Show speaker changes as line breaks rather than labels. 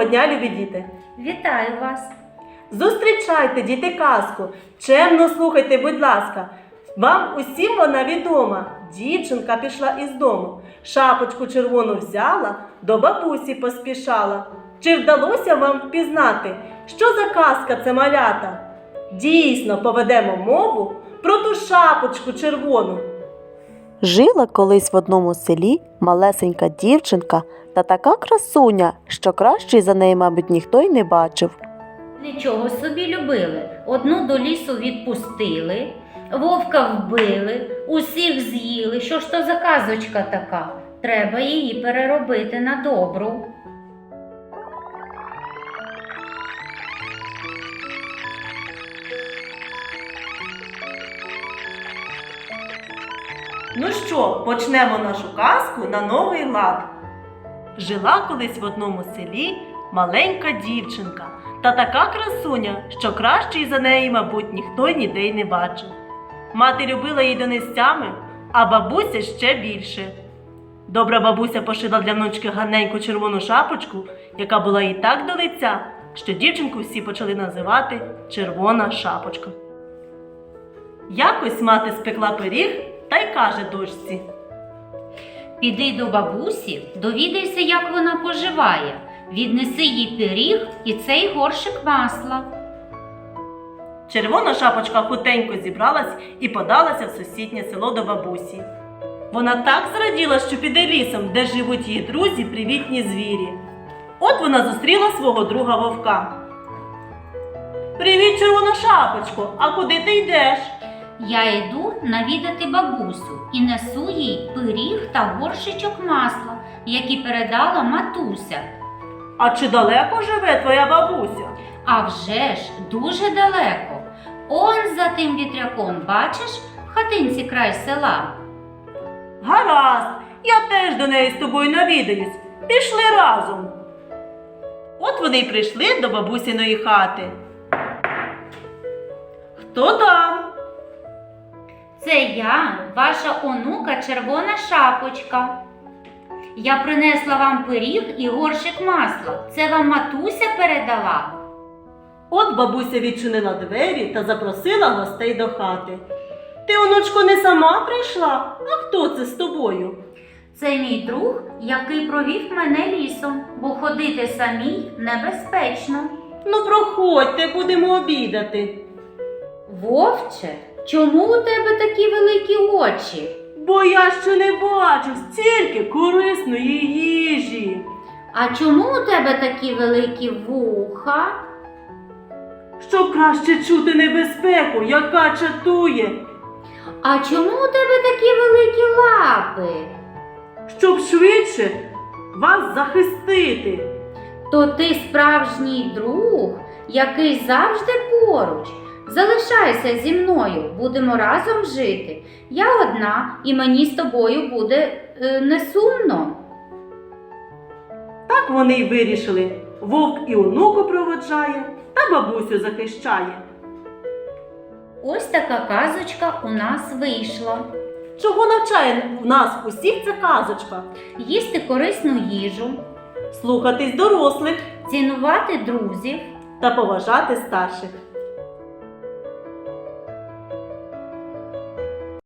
дня, любі діти!
Вітаю вас!
Зустрічайте, діти, казку! Чемно слухайте, будь ласка! Вам усім вона відома. Дівчинка пішла із дому, шапочку червону взяла, до бабусі поспішала. Чи вдалося вам впізнати, що за казка це, малята? Дійсно, поведемо мову про ту шапочку червону.
Жила колись в одному селі малесенька дівчинка та така красуня, що кращої за неї, мабуть, ніхто й не бачив.
Нічого собі любили. Одну до лісу відпустили, вовка вбили, усіх з'їли. Що ж то за казочка така? Треба її переробити на добру.
Ну що, почнемо нашу казку на новий лад. Жила колись в одному селі маленька дівчинка та така красуня, що кращої за неї, мабуть, ніхто ніде й не бачив. Мати любила її донестями, а бабуся ще більше. Добра бабуся пошила для внучки гарненьку червону шапочку, яка була їй так до лиця, що дівчинку всі почали називати Червона шапочка. Якось мати спекла пиріг та й каже дочці:
Піди до бабусі, довідайся, як вона поживає. Віднеси їй пиріг і цей горшик масла.
Червона шапочка хутенько зібралась і подалася в сусіднє село до бабусі. Вона так зраділа, що піде лісом, де живуть її друзі, привітні звірі. От вона зустріла свого друга вовка. «Привіт, Червона шапочко, а куди ти йдеш?»
Я йду навідати бабусю і несу їй пиріг та горшичок масла, які передала матуся.
«А чи далеко живе твоя бабуся?»
А вже ж, дуже далеко. Он за тим вітряком, бачиш, в хатинці край села.
«Гаразд, я теж до неї з тобою навідаюсь. Пішли разом». От вони й прийшли до бабусиної хати. «Хто там?»
Це я, ваша онука Червона шапочка. Я принесла вам пиріг і горшик масла. Це вам матуся передала.
От бабуся відчинила двері та запросила гостей до хати. «Ти, онучко, не сама прийшла? А хто це з тобою?»
Це мій друг, який провів мене лісом, бо ходити самій небезпечно.
«Ну, проходьте, будемо обідати».
Вовче, чому у тебе такі великі очі?
«Бо я ще не бачив стільки корисної їжі».
А чому у тебе такі великі вуха?
«Щоб краще чути небезпеку, яка чатує».
А чому у тебе такі великі лапи?
«Щоб швидше вас захистити».
То ти справжній друг, який завжди поруч. Залишайся зі мною, будемо разом жити. Я одна, і мені з тобою буде не сумно.
Так вони й вирішили. Вовк і онуку проводжає, та бабусю захищає.
Ось така казочка у нас вийшла.
Чого навчає нас усіх ця казочка?
Їсти корисну їжу,
Слухатись дорослих
цінувати друзів.
та поважати старших.